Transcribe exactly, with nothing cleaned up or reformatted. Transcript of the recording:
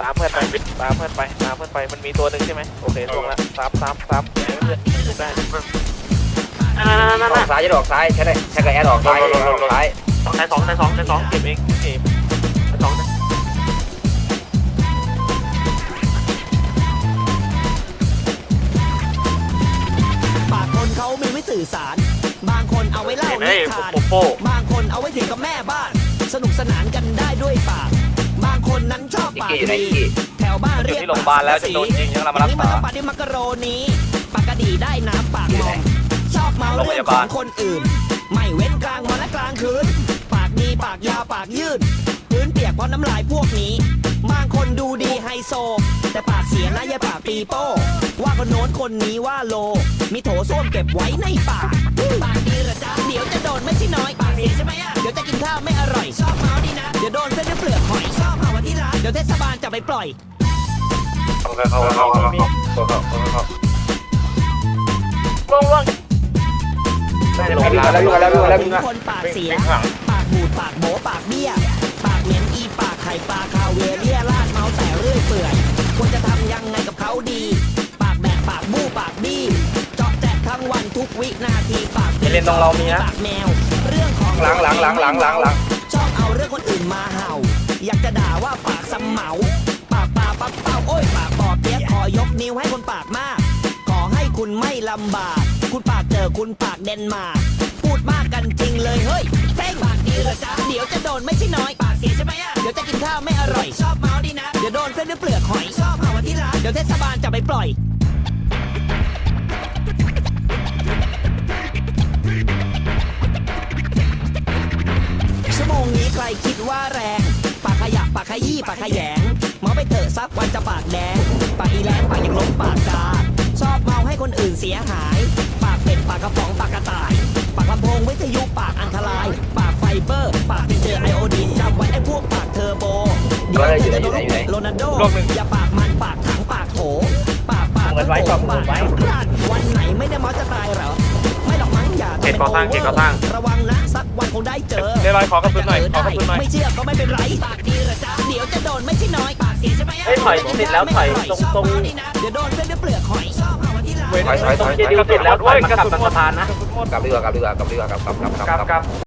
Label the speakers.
Speaker 1: ตามเพื่อนไปตามเพื่อนไปตามเพื่อนไปมันมีตัวหนึ่งใช่ไหมโอเคลงละตามตามตามเพื่อนได้
Speaker 2: ออกซ้ายจะออกซ้ายใช่ไหมใช่กับแอดออกซ้ายออกซ้าย
Speaker 1: สองในสองในสองในสองเก็บเองเก็บสอง
Speaker 3: ปากคนเขามีไว้สื่อสารบางคนเอาไว้เล่านิทานบางคนเอาไว้ถึงกับแม่บ้านสนุกสนานกันได้ด้วยปากบางคนนั้นชอบปากดีแถวบ้านเรียกปากแล้วจะโดนจริงยังเรามารักษาปากดิมักกะโรนีปากกระดีได้น้ำปากมองชอบเมาเรื่องของคนอื่นไม่เว้นกลางวันและกลางคืนปากดีปากยาวปากยืดพื้นเปียกเพราะน้ำลายพวกนี้บางคนดูดีไฮโซแต่ปากเสียนะอย่าปากปีโป้ว่าคนโน้นคนนี้ว่าโลมีโถส้วมเก็บไว้ในปากปากดีเหรอจ๊ะเดี๋ยวจะโดนไม่ใช่น้อยปากเสียใช่ไหมอ่ะเดี๋ยวจะกินข้าวไม่อร่อยชอบเมาดีนะเดี๋ยวโดนเส้นด้วยเปลือกหอยชอบเผาวันที่ร้านเดี๋ยวเทศบาลจะไปปล่อย
Speaker 2: เข้าเข้าเข้าเข้าเข้าเข้าเข้า
Speaker 1: ล่วงล่วง
Speaker 2: ลงแล้วแล้วแล้วแล้วแล้ว
Speaker 3: คนปากเสียปากบูดปากโบปากเบี้ยปากเหม็นอีปากไข่ปลาคาเวเรียลาดเมาแต่เรื่อยเปื่อยควรจะทำยังไงกับเขาดีปากแบกปากบู้ปากบี้เจาะแจกทั้งวันทุกวินาทีปากเล่นตรงเรามีนะปากแมวเรื่องของ
Speaker 2: หลังหลังหลังหลังหลังหลัง
Speaker 3: ชอบเอาเรื่องคนอื่นมาเห่าอยากจะด่าว่าปากสำเหมาปากปลาปักเป้าโอ้ยปากปอเปี๊ยกขอยกนิ้วให้คนปากมากขอให้คุณไม่ลำบากคุณปากเจอคุณปากเดนมาร์กพูดมากกันจริงเลยเฮ้ยเท่งปากดีเหรอจ๊ะเดี๋ยวจะโดนไม่ใช่น้อยปากเสียใช่ไหมอ่ะเดี๋ยวจะกินข้าวไม่อร่อยชอบเมาดีนะเดี๋ยวโดนเส้นด้วยเปลือกหอยชอบเผาวันที่ร้านเดี๋ยวเทศบาลจะไปปล่อยชั่วโมงนี้ใครคิดว่าแรงปากขยับปากขยี้ปากขยงเมาไปเถอะสักวันจะปากแดงปากอีแรงปากอย่างล้มปากกาชอบเมาให้คนอื่นเสียหายปากเป็ดปากกระป๋องปากกระต่ายปากลำโพงวิทยุปากอันตรายปากไฟเบอร์ปากที่เจอไอโอดีนจำไว้ไอ้พวกปากเทอร์โบเดี๋ยวจะโดนโรนัลโดอย่าปากมันปากถังปากโถปากปากปากปากวันไหนไม่ได้เมาจะตายเหรอไม่หรอกมั้งอย่าเก็บก่อสร้างเก็บก่อสร้างระวังนะสักวันคงได้เจอ
Speaker 1: เดี๋ยวลอยขอกระสุนหน่อยขอกระสุนหน่อย
Speaker 3: ไม่เชื่อก็ไม่เป็นไรปากดีเหรอจ๊ะเดี๋ยวจะโดนไม่ใช่น้อยปากเสียใช่ไหม
Speaker 1: ถอยติดแล้วถอยตรงตรง
Speaker 3: เดี๋ยวโดนเส้นด้วยเปลือกหอยชอบเผาวันที่ร้าน
Speaker 2: ถอยถอยถอย
Speaker 1: ติดแล้วถอยมากลับมาสะพานนะ
Speaker 2: กลับดีกว่ากลับดีกว่ากลับดีกว่ากลับกลับกลับกลับ